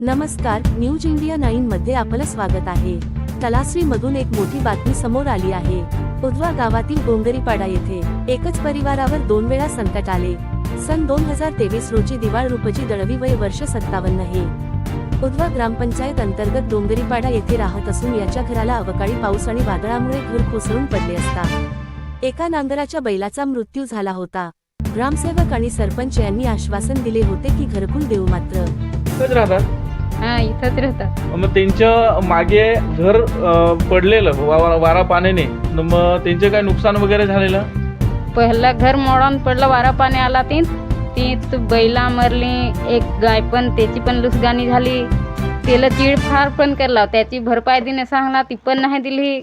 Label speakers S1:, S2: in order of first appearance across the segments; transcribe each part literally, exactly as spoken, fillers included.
S1: नमस्कार, news India nine मध्ये आपलं स्वागत आहे। तलासरी मधून एक मोठी बातमी समोर आली आहे। उधवा गावातील डोंगरीपाडा येथे एकच परिवारावर दोन वेळा संकट आले। सन दोन हजार तेवीस रोजी दिवाळ रूपची दळवी, वय वर्ष सत्तावन्न हे उधवा ग्रामपंचायत अंतर्गत डोंगरीपाडा येथे राहत असून याच्या घराला अवकाळी पाऊस आणि वादळामुळे घर कोसळून पडले असता एका नांगराच्या बैलाचा मृत्यू झाला होता। ग्रामसेवक आणि सरपंच यांनी आश्वासन दिले होते की घरकुल देऊ, मात्र
S2: इथंच राहतात।
S3: हा इथंच राहतात।
S2: मग त्यांच्या मागे घर अं, पडलेलं वा- वारा पाण्याने, मग त्यांचे काय नुकसान वगैरे झालेलं?
S3: पहिलं घर मोडून पडलं, वारा पाणी आला ती ती तू बैला मरली, एक गाय पण त्याची पण लुसगानी झाली, त्याला चिडफाड पण केला, त्याची भरपाई देणे सांगला ती पण नाही दिली।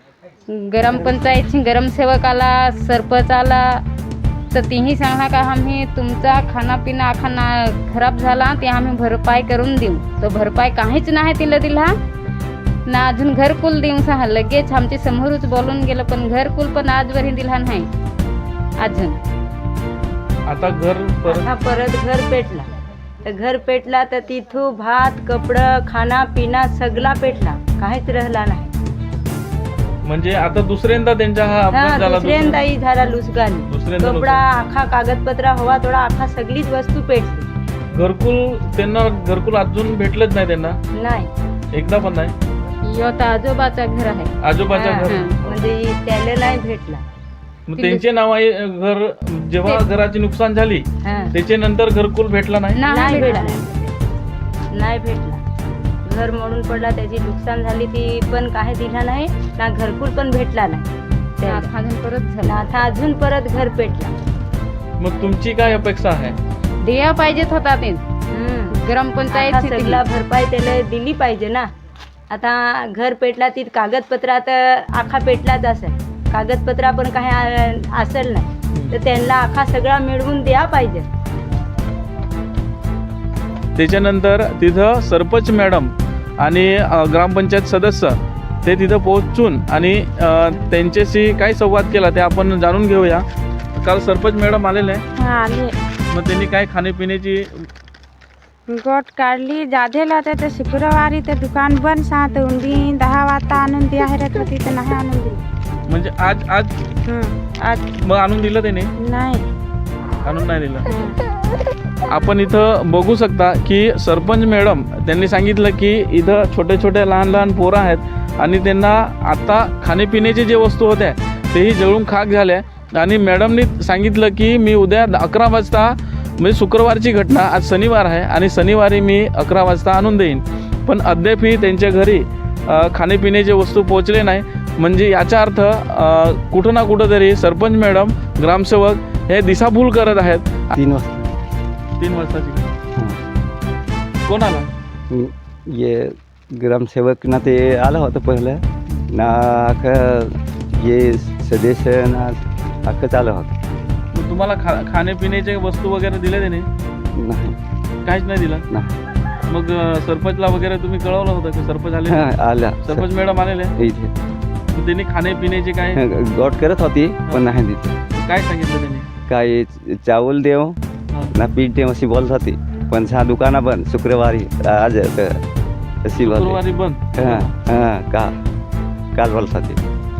S3: ग्रामपंचायतची ग्रामसेवक आला, सरपंच आला, तर तीही सांगला का आम्ही तुमचा खानापिना आखाना खराब झाला ते आम्ही भरपाई करून देऊ, तर भरपाई काहीच नाही तिला दिला ना। अजून घरकुल देऊ सांगा, लगेच आमच्या समोरच बोलून गेलं, पण घरकुल पण आजवरही दिला नाही अजून।
S2: आता घर परत
S4: आता परत घर पेटला, तर घर पेटला तर तिथून भात कपडं खाना पिना सगळा पेटला, काहीच राहिला नाही।
S2: म्हणजे आता दुसऱ्यांदा त्यांचा हा अपघात
S4: हा
S2: झाला।
S4: दुसऱ्यांदाही झाला लुसगानी,
S2: दुसऱ्यांदा
S4: कपडा आखा कागदपत्र हवा थोडा आखा सगळीच वस्तू पेटली।
S2: घरकुल त्यांना घरकुल अजून भेटलंच नाही त्यांना,
S4: नाही
S2: एकदा पण नाही।
S3: यो तर आजोबाचं घर आहे।
S2: आजोबाच्या
S4: हा,
S2: घर
S4: हा. म्हणजे त्याला नाही भेटला।
S2: मग त्यांचे नाव आहे घर, जेव्हा घराची नुकसान झाली
S4: हा.
S2: त्याच्या नंतर घरकुल भेटला नाही।
S4: नाही
S3: भेटला।
S4: भेटला नाही भेटला घर मोडून पडला, त्याची नुकसान झाली ती पण काही दिला नाही ना, घरकुल पण भेटला नाही त्याला।
S3: आता अजून परत झालं,
S4: आता अजून परत घर पेटला।
S2: मग तुमची काय अपेक्षा आहे?
S3: द्या पाहिजेत होता ते
S4: हम्म.
S3: ग्रामपंचायत
S4: आता सगळा भरपाई त्याला दिली पाहिजे ना। आता घर पेटला ती कागदपत्र आता आखा पेटलाच असेल, कागदपत्र पण काही आ- असेल नाही, तर त्यांना आखा सगळा मिळवून द्या पाहिजे।
S2: त्याच्यानंतर तिथं सरपंच मॅडम आणि अ, ग्रामपंचायत सदस्य ते तिथं पोहोचून आणि अ, त्यांच्याशी काय संवाद केला ते आपण जाणून घेऊया। काल सरपंच मॅडम आलेले आहे,
S5: हा आले,
S2: मग त्यांनी काय खाण्यापिण्याची
S5: गोट काढली, जाधेला तर ते शुक्रवारी ते दुकान बंद सात उंदी दहा वाजता आणून द्या हरत होती, तर नाही आणून दिली।
S2: म्हणजे आज आज
S5: हं, आज
S2: मग आणून दिलं त्याने?
S5: नाही।
S2: आणून नाही दिलं।
S5: हं.
S2: आपण इथं बघू शकता की सरपंच मॅडम त्यांनी सांगितलं की इथं छोटे छोटे लहान लहान पोरं आहेत आणि त्यांना आता खाण्यापिण्याचे जे वस्तू होत्या तेही जळून खाक झाल्या, आणि मॅडमनी सांगितलं की मी उद्या अकरा वाजता, म्हणजे शुक्रवारची घटना, आज शनिवार आहे आणि शनिवारी मी अकरा वाजता आणून देईन, पण अद्यापही त्यांच्या घरी अ, खाण्यापिण्याचे वस्तू पोहोचले नाही। म्हणजे याचा अर्थ अ, कुठं ना कुठं तरी सरपंच मॅडम ग्रामसेवक हे दिशाभूल करत आहेत।
S6: तीन वाजता
S2: तीन वाजताची
S6: हां.
S2: कोण आला?
S6: ये ग्रामसेवक ना ते आलं होतं पहिलं ना, अख्खं ये सदस्य ना अख्खंच आलं होतं।
S2: मग तुम्हाला खा खाण्यापिण्याचे वस्तू वगैरे दिले त्याने?
S6: नाही
S2: काहीच नाही दिलं?
S6: नाही
S2: मग अ, सरपंचला वगैरे तुम्ही कळवलं होतं की सरपंच आले?
S6: हां, आल्या
S2: सरपंच मॅडम आलेले?
S6: इथे
S2: मग त्यांनी खाण्यापिण्याचे काय
S6: गोट करत होती पण नाही दिली।
S2: काय सांगितलं त्यांनी?
S6: काय चावल देव
S2: हां.
S6: ना पीठ देव अशी बोलत होती, पण हा दुकानं बंद शुक्रवारी आज क- अशी बोलते।
S2: शुक्रवारी बंद?
S6: हां हां का काल बोलत होती।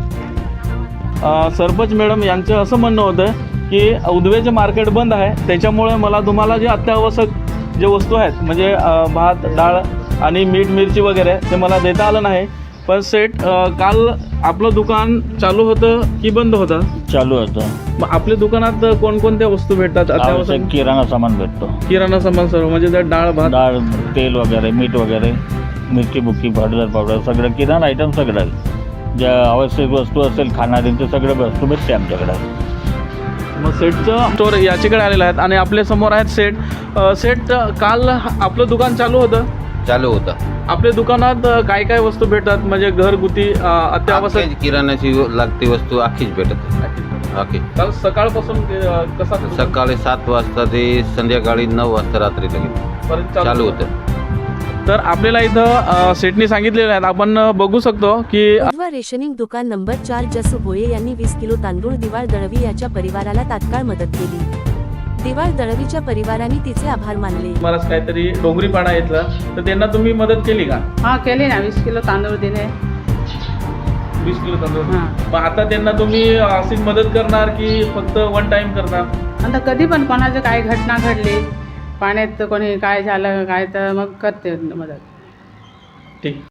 S2: अ, सरपंच मॅडम यांचं असं म्हणणं होतं की उदवेचे मार्केट बंद आहे, त्याच्यामुळे मला तुम्हाला जे अत्यावश्यक जे वस्तू आहेत म्हणजे अ, भात डाळ आणि मीठ मिरची वगैरे ते मला देता आलं नाही। पण सेठ, अ, काल आपलं दुकान चालू होतं की बंद होतं?
S7: चालू होतं।
S2: मग आपल्या दुकानात कोणकोणत्या वस्तू भेटतात?
S7: आवश्यक
S2: अत्यावश्यक
S7: किराणा सामान भेटतो,
S2: किराणा सामान सर्व, म्हणजे त्यात डाळ भात
S7: डाळ तेल वगैरे मीठ वगैरे मिरची बुक्की पावडर पावडर सगळं किराणा आयटम सगळं, ज्या आवश्यक वस्तू असेल खाणाऱ्यांचे सगळे वस्तू भेटते आमच्याकडे।
S2: मग सेठचं स्टोर याच्याकडे आलेलं आहेत आणि आपल्या समोर आहेत सेठ। अ, सेठ, काल आपलं दुकान चालू होतं?
S8: चालू होतं।
S2: आपल्या दुकानात काय काय वस्तू भेटतात, म्हणजे घरगुती अ, अत्यावश्यक?
S8: अख्खी किराणाची लागती वस्तू अख्खीच भेटत अख्खी।
S2: काल सकाळपासून अ, कसा
S8: सकाळी सात वाजता ते संध्याकाळी नऊ वाजता रात्री लगेच
S2: पर्यंत
S8: चालू होतं।
S2: तर आपल्याला इथं अ, सेठनी सांगितलेलं आहे, आपण बघू शकतो की
S1: उधवा रेशनिंग दुकान नंबर चार जसू भोये यांनी वीस किलो तांदूळ दिवाळ दळवी याच्या परिवाराला तात्काळ मदत केली। दिवाळ दळवीच्या परिवाराने तिचे आभार मानले.
S2: तुम्हाला काहीतरी डोंगरीपाडा येतला तर त्यांना तुम्ही मदत केली का?
S9: हां केली ना, वीस किलो तांदूळ दिले.
S2: वीस किलो तांदूळ.
S9: हां.
S2: मग आता त्यांना तुम्ही अशीच मदत करणार की फक्त वन टाइम करणार?
S9: आता कधी पण कोणाचं काय घटना घडली, पाण्यात कोणी काय झालं काय, तर मग करते मदत.
S2: ठीक.